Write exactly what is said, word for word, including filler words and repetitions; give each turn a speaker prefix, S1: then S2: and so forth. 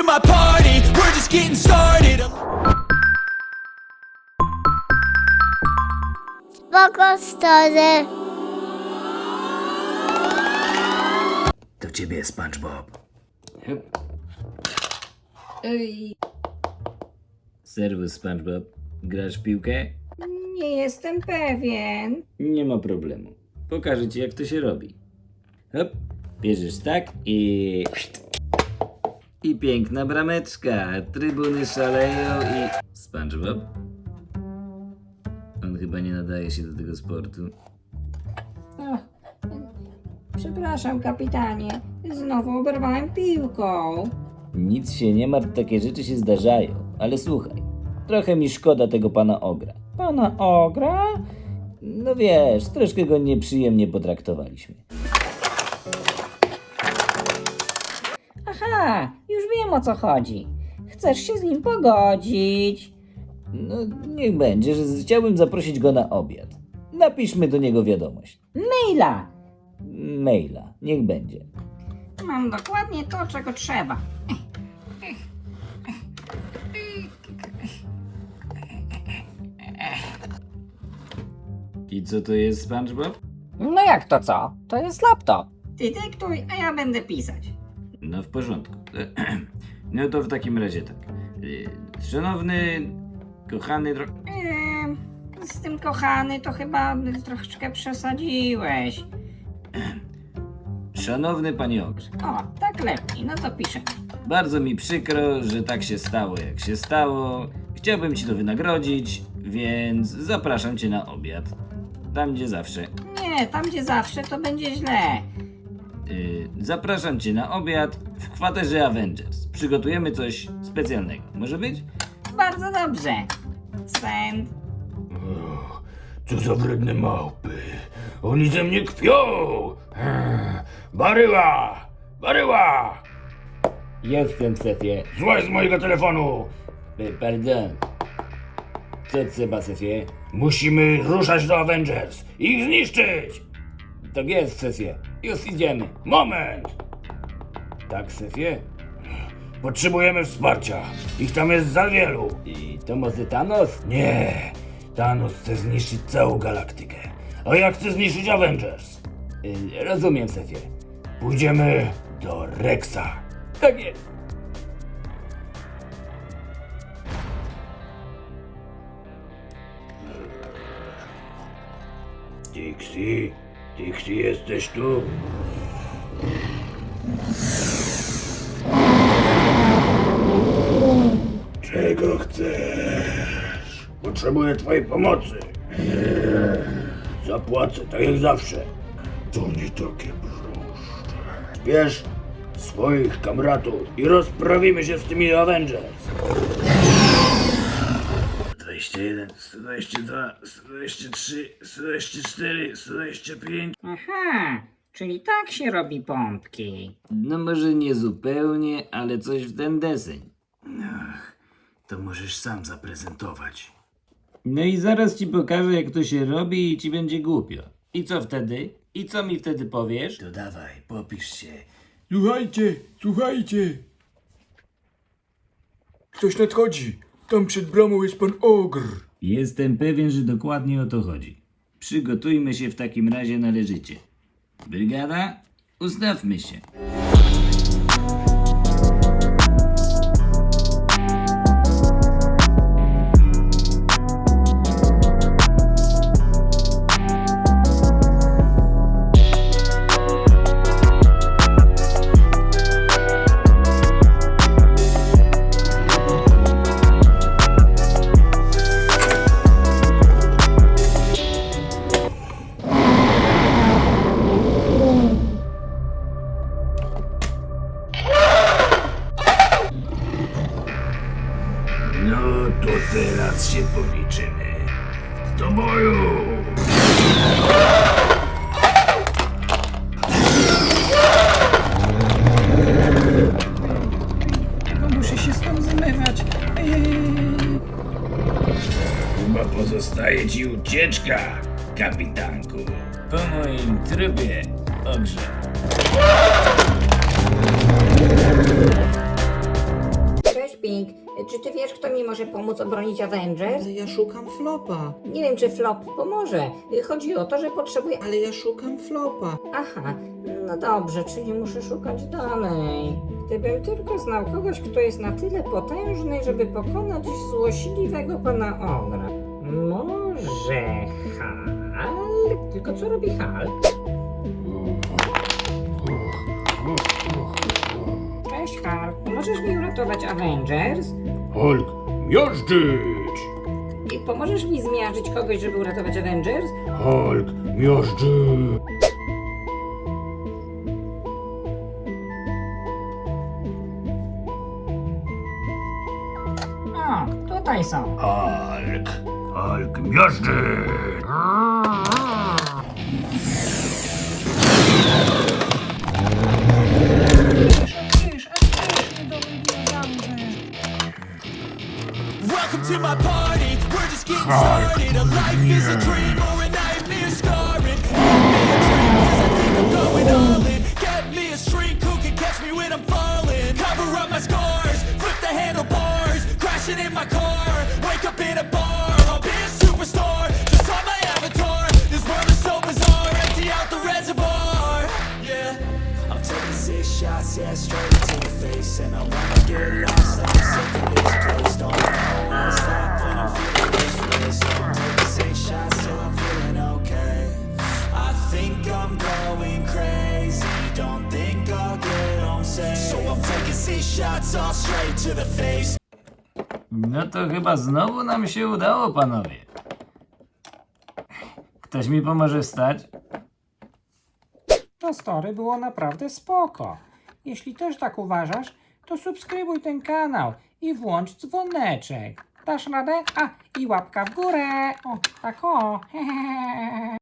S1: to my party, we're just getting started.
S2: Spoko stary.
S3: Do ciebie, SpongeBob.
S4: Ej,
S3: Serwus, SpongeBob. Grasz w piłkę?
S4: nie jestem pewien.
S3: Nie ma problemu. Pokażę ci, jak to się robi. Hop, bierzesz tak i... I piękna brameczka. Trybuny szaleją i... SpongeBob? On chyba nie nadaje się do tego sportu.
S4: Ach, przepraszam, kapitanie. Znowu oberwałem piłką.
S3: Nic się nie martw, takie rzeczy się zdarzają. Ale słuchaj, trochę mi szkoda tego pana Ogra. Pana Ogra? No wiesz, troszkę go nieprzyjemnie potraktowaliśmy.
S4: Aha, już wiem, o co chodzi. Chcesz się z nim pogodzić.
S3: No niech będzie, że chciałbym zaprosić go na obiad. Napiszmy do niego wiadomość.
S4: Maila!
S3: Maila, niech będzie.
S4: Mam dokładnie to, czego trzeba.
S3: I co to jest, SpongeBob?
S5: No jak to co? To jest laptop.
S4: Ty dyktuj, a ja będę pisać.
S3: No w porządku. No to w takim razie tak. Szanowny, kochany... Dro...
S4: Eee, z tym kochany to chyba troszeczkę przesadziłeś.
S3: Szanowny panie Ogrze.
S4: O, tak lepiej, no to piszę.
S3: Bardzo mi przykro, że tak się stało, jak się stało. Chciałbym ci to wynagrodzić, więc zapraszam cię na obiad. Tam, gdzie zawsze.
S4: Nie, tam gdzie zawsze to będzie źle.
S3: Yy, zapraszam cię na obiad w kwaterze Avengers. Przygotujemy coś specjalnego. Może być?
S4: Bardzo dobrze. Send.
S6: Co za wredne małpy. Oni ze mnie kpią. Eee, Baryła! Baryła!
S3: Jestem, szefie.
S6: Złaź z mojego telefonu!
S3: E, Pardon. Co trzeba, szefie?
S6: Musimy ruszać do Avengers. Ich zniszczyć!
S3: Tak jest, szefie. Już idziemy.
S6: Moment!
S3: Tak, szefie?
S6: Potrzebujemy wsparcia. Ich tam jest za wielu.
S3: I to może Thanos?
S6: Nie. Thanos chce zniszczyć całą galaktykę. A ja chcę zniszczyć Avengers.
S3: Y, rozumiem, szefie.
S6: Pójdziemy do Rexa.
S3: Tak jest.
S6: Dixie? Dixie, jesteś tu? Czego chcesz? Potrzebuję twojej pomocy. Zapłacę, tak jak zawsze. To nie takie proste. Zbierz swoich kamratów i rozprawimy się z tymi Avengers. dwadzieścia jeden, sto dwadzieścia dwa, sto dwadzieścia trzy, sto dwadzieścia cztery, sto dwadzieścia pięć.
S4: Aha, czyli tak się robi pompki.
S3: No może nie zupełnie, ale coś w ten deseń.
S6: Ach, to możesz sam zaprezentować.
S3: No i zaraz ci pokażę, jak to się robi i ci będzie głupio. I co wtedy? I co mi wtedy powiesz?
S6: To dawaj, popisz się.
S7: Słuchajcie, słuchajcie. Ktoś nadchodzi. Tam przed bramą jest pan Ogr.
S3: Jestem pewien, że dokładnie o to chodzi. Przygotujmy się w takim razie należycie. Brygada, ustawmy się.
S6: No to teraz się policzymy. Do boju!
S4: Muszę się stąd zmywać.
S6: Chyba pozostaje ci ucieczka, kapitanku.
S3: Po moim trupie, Ogrze.
S4: Czy ty wiesz, kto mi może pomóc obronić Avengers?
S8: Ale ja szukam flopa.
S4: Nie wiem, czy Flop pomoże. Chodzi o to, że potrzebuję...
S8: Ale ja szukam flopa.
S4: Aha, no dobrze, czyli muszę szukać dalej. Gdybym tylko znał kogoś, kto jest na tyle potężny, żeby pokonać złośliwego pana Ogra. Może Hulk? Tylko co robi Hulk? Cześć Hulk, możesz mi uratować Avengers?
S6: Hulk, miażdżyć!
S4: I pomożesz mi zmiażdżyć kogoś, żeby uratować Avengers?
S6: Hulk, miażdżyć!
S4: O, tutaj są.
S6: Hulk, Hulk, miażdżyć!
S1: Welcome to my party, we're just getting started. A life is a dream or a nightmare scarring. Give me a drink, cause I think I'm going all in. Get me a shrink who can catch me when I'm falling. Cover up my scars, flip the handlebars. Crashing in my car, wake up in a bar. I'll be a superstar, just on my avatar. This world is so bizarre, empty out the reservoir. Yeah, I'm taking six shots, yeah, straight to the face. And I wanna get lost, I'm sick of this place. Don't know why I stop when I'm feeling this way. So I'm taking six shots till I'm feeling okay. I think I'm going crazy, don't think I'll get home safe. So I'm taking six shots all straight to the face.
S3: No to chyba znowu nam się udało, panowie. Ktoś mi pomoże wstać?
S5: To story było naprawdę spoko. Jeśli też tak uważasz, to subskrybuj ten kanał i włącz dzwoneczek. Dasz radę? A, i łapka w górę. O, tak o. Hehehe.